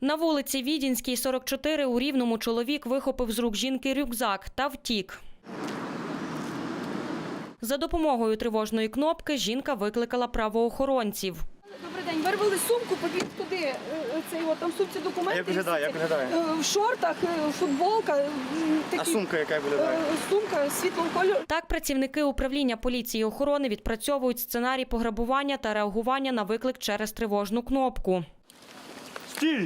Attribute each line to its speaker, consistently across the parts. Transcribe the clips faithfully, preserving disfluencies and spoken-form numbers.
Speaker 1: На вулиці Відінській, сорок чотири, у Рівному чоловік вихопив з рук жінки рюкзак та втік. За допомогою тривожної кнопки жінка викликала правоохоронців.
Speaker 2: Добрий день. Вирвали сумку, побіг туди. Цей от там в сумці документи.
Speaker 3: Як виглядає? Як виглядає?
Speaker 2: В шортах, футболка.
Speaker 3: Такі, а сумка яка виглядає?
Speaker 2: Сумка світлого кольору.
Speaker 1: Так працівники управління поліції і охорони відпрацьовують сценарій пограбування та реагування на виклик через тривожну кнопку.
Speaker 3: Стій!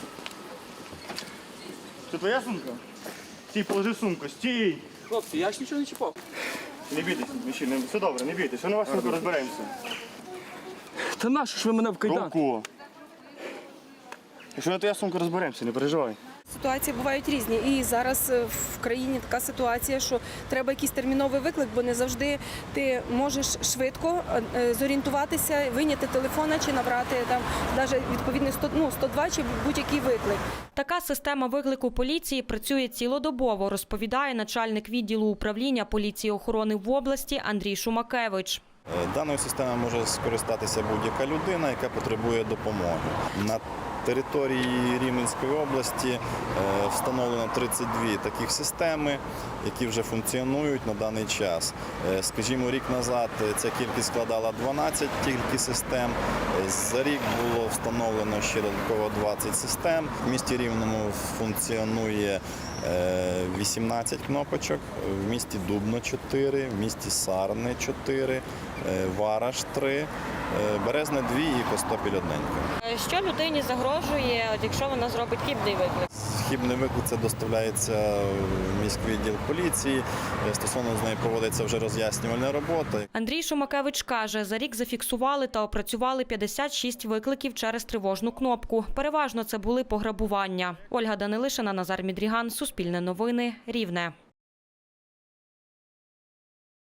Speaker 3: Це твоя сумка? Стій, положи сумку, стій!
Speaker 4: Хлопці, я ж нічого не чіпав.
Speaker 3: Не бійтесь, мужчина, все добре, не бійтесь, ми на вашу сумку розберемося.
Speaker 4: Та нащо ж ви мене в кайдан?
Speaker 3: Ромко! Якщо на твоя сумка розберемося, не переживай.
Speaker 2: Ситуації бувають різні. І зараз в країні така ситуація, що треба якийсь терміновий виклик, бо не завжди ти можеш швидко зорієнтуватися, вийняти телефона чи набрати там навіть відповідний сто, ну, сто два чи будь-який виклик.
Speaker 1: Така система виклику поліції працює цілодобово, розповідає начальник відділу управління поліції і охорони в області Андрій Шумакевич.
Speaker 5: Даною системою може скористатися будь-яка людина, яка потребує допомоги. На території Рівненської області встановлено тридцять дві таких системи, які вже функціонують на даний час. Скажімо, рік назад ця кількість складала дванадцять тільки систем. За рік було встановлено ще додатково двадцять систем. В місті Рівному функціонує вісімнадцять кнопочок, в місті Дубно чотири, в місті Сарни чотири, Вараш три, Березне дві і Костопіль одненька.
Speaker 1: Що людині загрожує, якщо вона зробить хибний виклик?
Speaker 5: Хибний виклик це доставляється в міський відділ поліції. Стосовно з нею проводиться вже роз'яснювальна робота.
Speaker 1: Андрій Шумакевич каже, за рік зафіксували та опрацювали п'ятдесят шість викликів через тривожну кнопку. Переважно це були пограбування. Ольга Данилишина, Назар Мідріган, Суспільне новини, Рівне.